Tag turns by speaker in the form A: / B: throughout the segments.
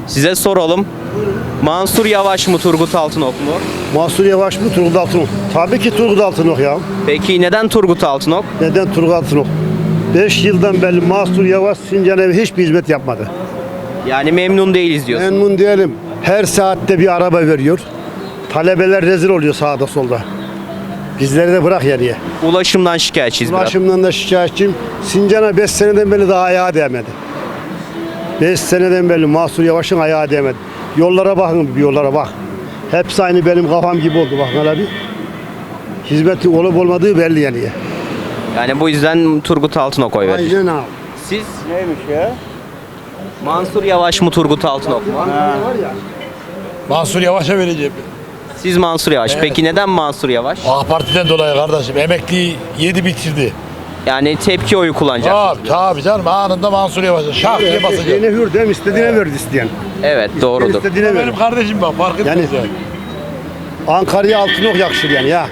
A: Size soralım. Mansur Yavaş mı Turgut Altınok mu?
B: Mansur Yavaş mı Turgut Altınok? Tabii ki Turgut Altınok ya.
A: Peki neden Turgut Altınok?
B: Neden Turgut Altınok? 5 yıldan beri Mansur Yavaş Sincan'a hiçbir hizmet yapmadı.
A: Yani memnun değiliz diyorsun.
B: Memnun diyelim. Her saatte bir araba veriyor. Talebeler rezil oluyor sağda solda. Bizleri de bırak yarıya.
A: Ulaşımdan şikayetçiyiz biraz.
B: Ulaşımdan da şikayetçiyim. Sincan'a 5 seneden beri daha ayağa değmedi. 5 seneden beri Mansur Yavaş'ın ayağı değmedi. Yollara bakın, bir yollara bak. Hepsi aynı benim kafam gibi oldu bak hele bir. Hizmeti olup olmadığı belli yani.
A: Yani bu yüzden Turgut Altınok oy verir.
B: Aynen abi.
A: Siz? Neymiş ya? Mansur Yavaş mı Turgut Altınok mu?
C: Mansur Yavaş'a vereceğim.
A: Siz Mansur Yavaş. Peki neden Mansur Yavaş?
C: AK Parti'den dolayı kardeşim. Emekliyi yedi bitirdi.
A: Yani tepki oyu kullanacak.
C: Tabii canım. Anında Mansur Yavaş'a şak diye basacak.
B: Yine hür değil mi? İstediğine verdi isteyen.
A: Evet doğrudur.
B: İstediğine verdi.
C: Benim kardeşim bak fark etmez
B: Yani-
C: yani.
B: Ankara'ya Altınok yakışır yani ya.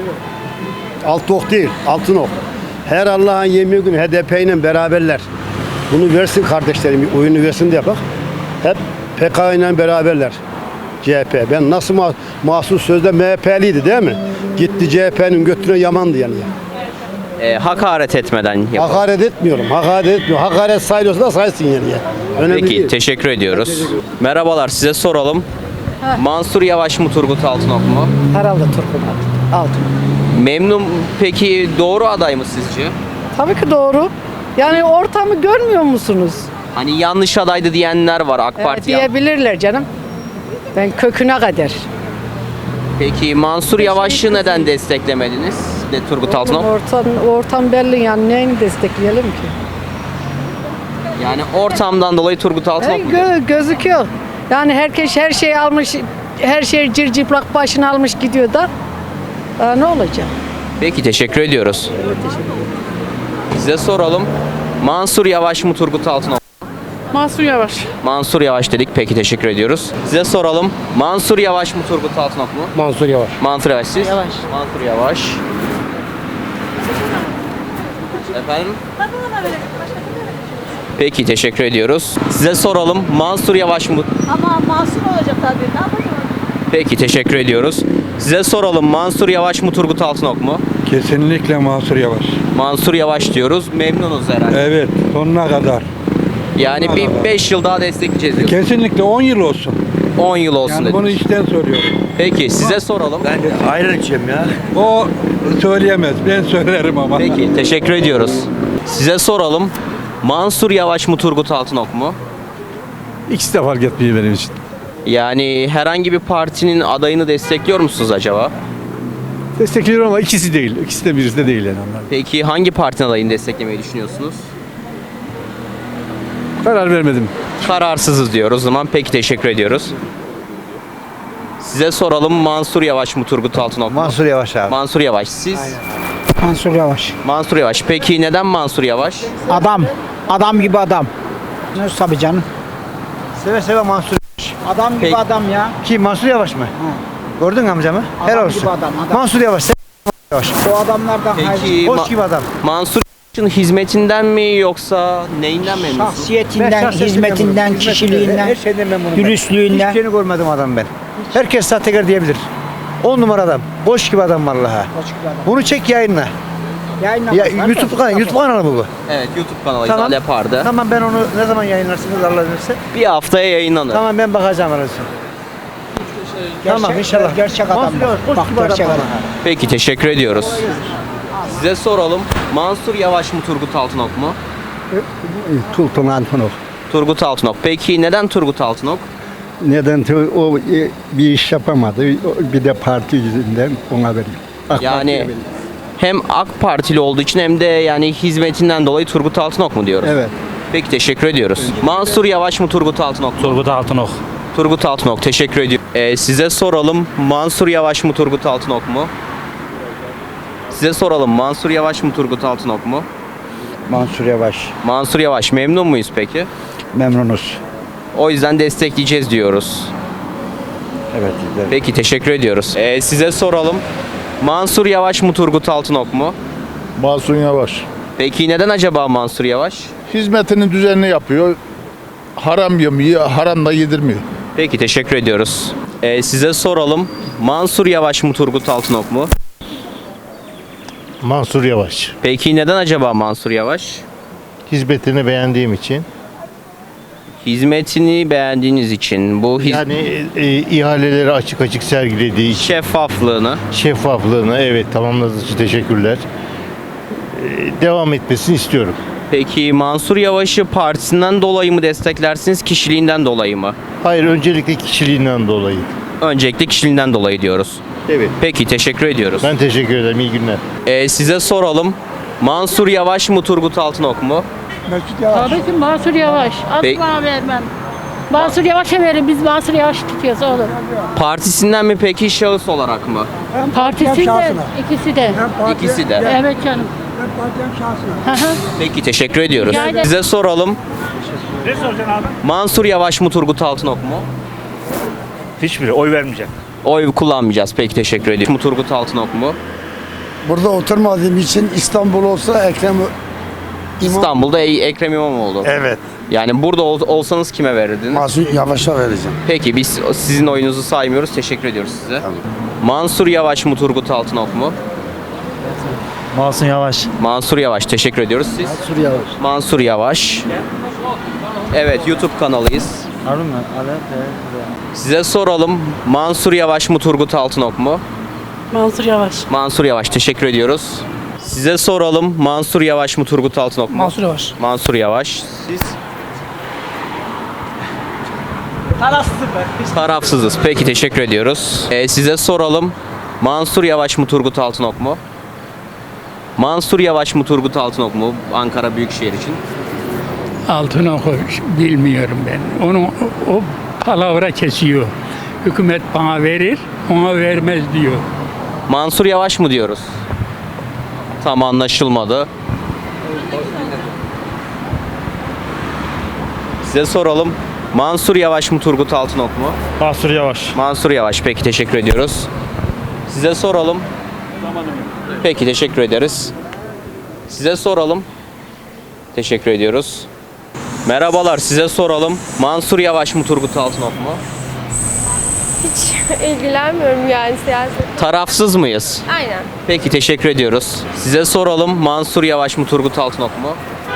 B: Altınok değil, Altınok. Her Allah'ın yemeği günü HDP ile beraberler. Bunu versin kardeşlerim, oyunu versin diye bak. Hep PKK ile beraberler. CHP. Ben nasıl mahsus sözde MHP'liydi değil mi? Gitti CHP'nin götüne yamandı yani.
A: Hakaret etmeden yapalım.
B: Hakaret etmiyorum, hakaret etmiyorum. Hakaret sayılıyorsa da saysın yani ya. Önemli
A: Peki
B: değil.
A: teşekkür ediyoruz. Merhabalar size soralım. Mansur Yavaş mı Turgut Altınok mu?
D: Herhalde Turgut Altınok.
A: Memnun peki doğru aday mı sizce?
D: Tabii ki doğru. Yani ortamı görmüyor musunuz?
A: Hani yanlış adaydı diyenler var AK Parti.
D: Diyebilirler canım. Ben köküne kadar.
A: Peki Mansur Yavaş'ı neden desteklemediniz? De Turgut Altınok.
D: Ortam belli yani neyini destekleyelim ki?
A: Yani ortamdan dolayı Turgut Altınok mu?
D: Gözüküyor. Yani herkes her şeyi almış, her şey cırcıplak başına almış gidiyor da. Daha ne olacak?
A: Peki teşekkür ediyoruz. Size soralım. Mansur Yavaş mı Turgut Altınok?
E: Mansur Yavaş.
A: Mansur Yavaş dedik. Peki teşekkür ediyoruz. Size soralım. Mansur Yavaş mı Turgut Altınok mu?
B: Mansur Yavaş.
A: Mansur Yavaş siz?
D: Yavaş.
A: Mansur Yavaş. Efendim? Peki teşekkür ediyoruz. Size soralım. Mansur Yavaş mı?
F: Ama masum olacak tabii. Ne yapacağız?
A: Peki teşekkür ediyoruz. Size soralım. Mansur Yavaş mı Turgut Altınok mu?
G: Kesinlikle Mansur Yavaş.
A: Mansur Yavaş diyoruz. Memnunuz herhalde.
G: Evet, sonuna kadar.
A: Yani bir 5 yıl daha destekleyeceğiz diyoruz.
G: Kesinlikle 10 yıl olsun.
A: 10 yıl olsun
G: Yani
A: dedik.
G: bunu içten soruyorum.
A: Peki size soralım.
B: Ayran içeyim ya.
G: O söyleyemez, ben söylerim ama.
A: Peki teşekkür ediyoruz. Size soralım. Mansur Yavaş mı Turgut Altınok mu?
H: İkisi de fark etmiyor benim için.
A: Yani herhangi bir partinin adayını destekliyor musunuz acaba?
H: Destekliyorum ama ikisi değil. İkisi de birisi de değil yani onlar.
A: Peki hangi partinin adayını desteklemeyi düşünüyorsunuz?
H: Karar vermedim.
A: Kararsızız diyoruz o zaman. Peki teşekkür ediyoruz. Size soralım. Mansur Yavaş mı Turgut Altınok mu?
B: Mansur Yavaş abi.
A: Mansur Yavaş. Siz?
D: Mansur Yavaş.
A: Mansur Yavaş. Peki neden Mansur Yavaş?
D: Adam. Adam gibi adam. Ne tabii canım.
B: Seve seve Mansur.
D: Adam gibi
A: Peki.
D: adam ya.
B: Kim Mansur Yavaş mı? Gördün mü amcamı? Helal olsun.
D: gibi adam.
B: Mansur Yavaş.
D: O adamlardan
A: Peki
B: Hoş gibi adam.
A: Mansur Yavaş'ın hizmetinden mi yoksa neyinden memnunsunuz?
D: şahsiyetinden, hizmetinden, kişiliğinden,
B: Her şeyden memnunum.
D: dürüstlüğünden.
B: Hiçbir şeyini görmedim adam ben. Herkes sahtekar diyebilir. 10 numara adam. Boş gibi adam vallahi. Bunu çek yayınla. Ya YouTube kanalı mı bu?
A: Evet YouTube kanalı
B: Tamam.
A: İzal Yapar'dı.
B: Tamam ben onu ne zaman yayınlarsınız Allah verirse.
A: Bir haftaya yayınlanır.
B: Tamam ben bakacağım arasın. Tamam inşallah.
D: Gerçek adam.
B: Mansur Yavaş boş
D: Bak
B: gibi adam
D: gerçek adam.
B: vallahi.
A: Peki teşekkür ediyoruz. Size soralım. Mansur Yavaş mı Turgut Altınok mu?
G: Turgut Altınok.
A: Turgut Altınok. Peki neden Turgut Altınok?
G: Neden o bir iş yapamadı, bir de parti yüzünden ona vereyim.
A: Yani hem AK Partili olduğu için hem de yani hizmetinden dolayı Turgut Altınok mu diyoruz?
G: Evet.
A: Peki teşekkür ediyoruz. Mansur Yavaş mı Turgut Altınok mu?
H: Turgut Altınok.
A: Turgut Altınok teşekkür ediyorum. Size soralım. Mansur Yavaş mı Turgut Altınok mu? Size soralım. Mansur Yavaş mı Turgut Altınok mu?
G: Mansur Yavaş.
A: Mansur Yavaş memnun muyuz peki?
G: Memnunuz.
A: O yüzden destekleyeceğiz diyoruz.
G: Evet.
A: Peki teşekkür ediyoruz. Size soralım. Mansur Yavaş mı Turgut Altınok mu?
C: Mansur Yavaş.
A: Peki neden acaba Mansur Yavaş?
C: Hizmetinin düzenini yapıyor. haram yiyor, haram da yedirmiyor.
A: Peki teşekkür ediyoruz. Size soralım. Mansur Yavaş mı Turgut Altınok mu?
E: Mansur Yavaş.
A: Peki neden acaba Mansur Yavaş?
E: Hizmetini beğendiğim için.
A: Hizmetini beğendiğiniz için bu
E: Yani ihaleleri açık açık sergilediği için.
A: şeffaflığını.
E: Şeffaflığını evet tamamladığı için teşekkürler. Devam etmesini istiyorum.
A: Peki Mansur Yavaş'ı partisinden dolayı mı desteklersiniz, kişiliğinden dolayı mı?
E: Hayır öncelikle kişiliğinden dolayı.
A: Öncelikle kişiliğinden dolayı diyoruz.
E: Evet.
A: Peki teşekkür ediyoruz.
E: Ben teşekkür ederim. İyi günler.
A: Size soralım. Mansur Yavaş mı Turgut Altınok mu?
I: Tabii ki Mansur Yavaş.
A: Peki.
I: Asla vermem. Mansur Yavaş'a verin. Biz Mansur Yavaş tutuyoruz oğlum.
A: Partisinden mi peki, şahıs olarak mı?
I: Partisi de ikisi de.
A: İkisi de.
I: Evet canım. Hı hı.
A: Peki teşekkür ediyoruz.
I: Rica ederim.
A: Size soralım.
J: Ne soracaksın abi?
A: Mansur Yavaş mı Turgut Altınok mu?
J: Hiçbiri oy vermeyeceğim.
A: Oy kullanmayacağız. Peki teşekkür ediyorum. Mu Turgut Altınok mu?
B: Burada oturmadığım için İstanbul olsa Ekrem
A: İstanbul'da Ekrem İmamoğlu.
B: Evet.
A: Yani burada olsanız kime verirdiniz?
B: Mansur Yavaş'a vereceğim.
A: Peki biz sizin oyunuzu saymıyoruz. Teşekkür ediyoruz size. Mansur Yavaş mı Turgut Altınok mu?
J: Mansur Yavaş.
A: Mansur Yavaş. Teşekkür ediyoruz siz.
B: Mansur Yavaş.
A: Mansur Yavaş. Evet, YouTube kanalıyız. Size soralım. Mansur Yavaş mı Turgut Altınok mu?
I: Mansur Yavaş.
A: Mansur Yavaş. Teşekkür ediyoruz. Size soralım. Mansur Yavaş mı Turgut Altınok mu?
I: Mansur Yavaş.
A: Mansur Yavaş. Siz? Tarafsızız. Peki teşekkür ediyoruz. Size soralım. Mansur Yavaş mı Turgut Altınok mu? Mansur Yavaş mı Turgut Altınok mu Ankara Büyükşehir için?
K: Altınok'u bilmiyorum ben. Onu o palavra kesiyor. Hükümet bana verir, ona vermez diyor.
A: Mansur Yavaş mı diyoruz? Tam anlaşılmadı. Size soralım. Mansur Yavaş mı Turgut Altınok mu?
J: Mansur Yavaş.
A: Mansur Yavaş. Peki teşekkür ediyoruz. Size soralım. Peki teşekkür ederiz. Size soralım. Teşekkür ediyoruz. Merhabalar, size soralım. Mansur Yavaş mı Turgut Altınok mu?
F: Hiç ilgilenmiyorum yani siyaset.
A: Tarafsız mıyız?
F: Aynen.
A: Peki teşekkür ediyoruz. Size soralım. Mansur Yavaş mı Turgut Altınok mu?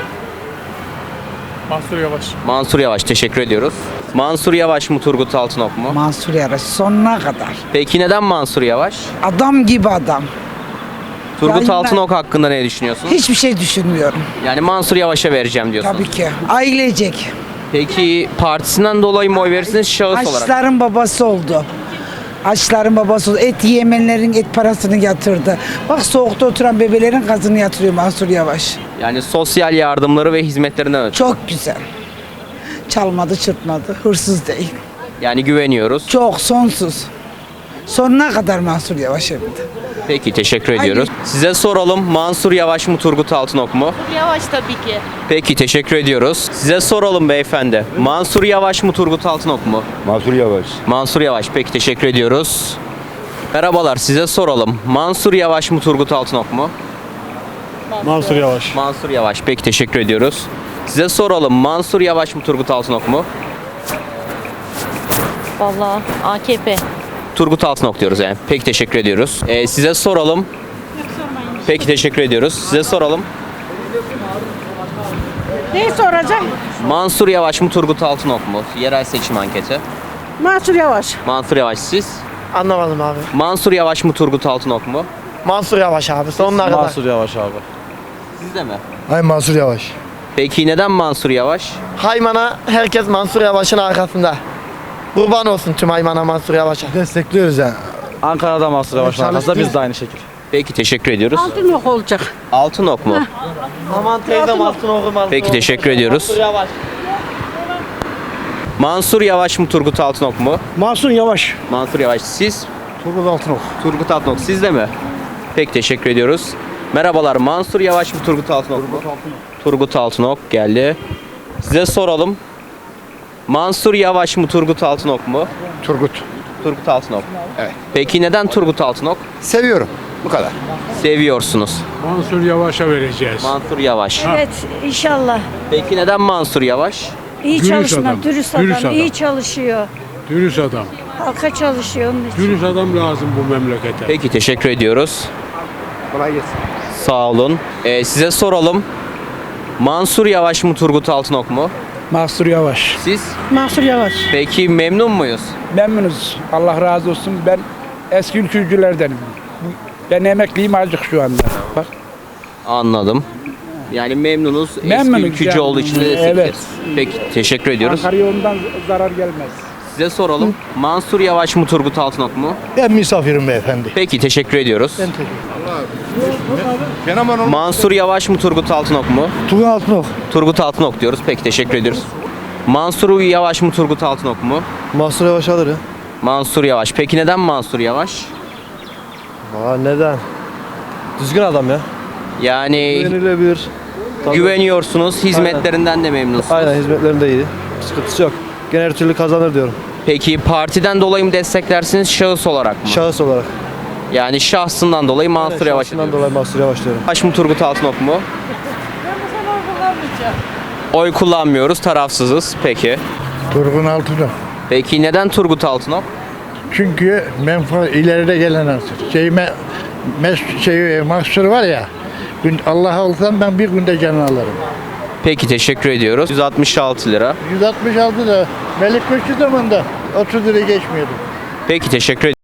H: Mansur Yavaş.
A: Mansur Yavaş. Teşekkür ediyoruz. Mansur Yavaş mı Turgut Altınok mu?
I: Mansur Yavaş sonuna kadar.
A: Peki neden Mansur Yavaş?
I: Adam gibi adam.
A: Turgut
I: Ya
A: Altınok hakkında ne düşünüyorsunuz?
I: Hiçbir şey düşünmüyorum.
A: Yani Mansur Yavaş'a vereceğim diyorsunuz.
I: Tabii ki. Ailecek.
A: Peki partisinden dolayı mı oy verirsiniz, şahıs olarak?
I: Açların babası oldu. Açların babası oldu. Et yemenlerin et parasını yatırdı. Bak soğukta oturan bebelerin gazını yatırıyor Mansur Yavaş.
A: Yani sosyal yardımları ve hizmetlerinden ötürü.
I: Çok güzel. Çalmadı, çırpmadı. Hırsız değil.
A: Yani güveniyoruz.
I: Çok sonsuz. Sonuna kadar Mansur Yavaş hem de.
A: Peki teşekkür ediyoruz. Size soralım. Mansur Yavaş mı Turgut Altınok mu?
F: Yavaş tabii ki.
A: Peki teşekkür ediyoruz. Size soralım beyefendi. Mansur Yavaş mı Turgut Altınok mu?
E: Mansur Yavaş.
A: Mansur Yavaş. Peki teşekkür ediyoruz. Merhabalar, size soralım. Mansur Yavaş mı Turgut Altınok mu?
J: Mansur Yavaş.
A: Mansur Yavaş. Peki teşekkür ediyoruz. Size soralım. Mansur Yavaş mı Turgut Altınok mu?
F: Vallahi AKP.
A: Turgut Altınok diyoruz yani. Peki teşekkür ediyoruz. Size soralım. Peki teşekkür ediyoruz. Size soralım.
I: Neyi soracağım?
A: Mansur Yavaş mı Turgut Altınok mu? Yerel seçim anketi.
I: Mansur Yavaş.
A: Mansur Yavaş, siz?
L: Anlamadım abi.
A: Mansur Yavaş mı Turgut Altınok mu?
L: Mansur Yavaş abi sonuna kadar.
J: Mansur Yavaş abi.
A: Siz de mi?
C: Hayır Mansur Yavaş.
A: Peki neden Mansur Yavaş?
L: Haymana herkes Mansur Yavaş'ın arkasında. Kurban olsun tüm Haymana Mansur Yavaş'a.
C: Destekliyoruz yani.
J: Ankara'da Mansur Yavaş arkasında biz de aynı şekilde.
A: Peki teşekkür ediyoruz.
I: Altınok olacak.
A: Altınok mu?
L: Aman teyzem altın okumaz.
A: Peki teşekkür ediyoruz.
L: Mansur Yavaş.
A: Mansur Yavaş mı Turgut Altınok mu?
J: Mansur Yavaş.
A: Mansur Yavaş, siz?
J: Turgut Altınok.
A: Turgut Altınok, siz de mi? Peki teşekkür ediyoruz. Merhabalar, Mansur Yavaş mı Turgut Altınok mu? Turgut Altınok geldi. Size soralım. Mansur Yavaş mı Turgut Altınok mu?
B: Turgut.
A: Turgut Altınok. Evet. Peki neden Turgut Altınok?
B: Seviyorum. Bu kadar.
A: Seviyorsunuz.
K: Mansur Yavaş'a vereceğiz.
A: Mansur Yavaş.
F: Evet inşallah.
A: Peki neden Mansur Yavaş?
D: İyi
K: Dürüst
D: çalışma,
K: adam,
D: dürüst
K: dürüst
D: adam,
K: adam.
D: iyi çalışıyor.
K: Dürüst adam.
D: Halka çalışıyor onun için.
K: Dürüst adam lazım bu memlekete.
A: Peki teşekkür ediyoruz.
B: Kolay gelsin.
A: Sağ olun. Size soralım. Mansur Yavaş mı Turgut Altınok mu?
J: Mansur Yavaş.
A: Siz?
D: Mahsur Yavaş.
A: Peki memnun muyuz?
J: Memnunuz. Allah razı olsun. Ben eski ülkücülerdenim. Ben emekliyim azıcık şu anda. Bak.
A: Anladım. Yani memnunuz. Eski
J: Memnunuz
A: ülkücü
J: yani.
A: olduğu için de
J: Evet.
A: destekleriz. Peki teşekkür ediyoruz.
J: Ankara'ya ondan zarar gelmez.
A: Size soralım. Mansur Yavaş mı Turgut Altınok mu?
C: Ben misafirim beyefendi.
A: Peki teşekkür ediyoruz. Mansur Yavaş mı Turgut Altınok mu?
J: Turgut Altınok.
A: Turgut Altınok diyoruz. Peki teşekkür ediyoruz. Mansur Yavaş mı Turgut Altınok mu?
L: Mansur Yavaş alır ya.
A: Mansur Yavaş. Peki neden Mansur Yavaş?
L: Neden? Düzgün adam ya.
A: Yani
L: Güvenilebilir.
A: güveniyorsunuz, hizmetlerinden de memnunsunuz.
L: Aynen hizmetlerinde iyi. Sıkıntısı yok. Gene her türlü kazanır diyorum.
A: Peki partiden dolayı mı desteklersiniz, şahıs olarak mı?
L: Şahıs olarak.
A: Yani şahsından dolayı Mansur Yavaş
L: Şahsından
A: diyoruz.
L: dolayı Mansur Yavaş diyorum.
A: Yavaş mı Turgut Altınok mu? Oy kullanmıyoruz, tarafsızız. Peki.
C: Turgun Altınok.
A: Peki neden Turgut Altınok?
C: Çünkü ileride gelen mahsur var ya. Allah olsam ben bir günde canını alırım.
A: Peki teşekkür ediyoruz. 166 lira.
C: 166 da Melik Köşkü zamanında 30 lira geçmiyordu.
A: Peki teşekkür ediyoruz.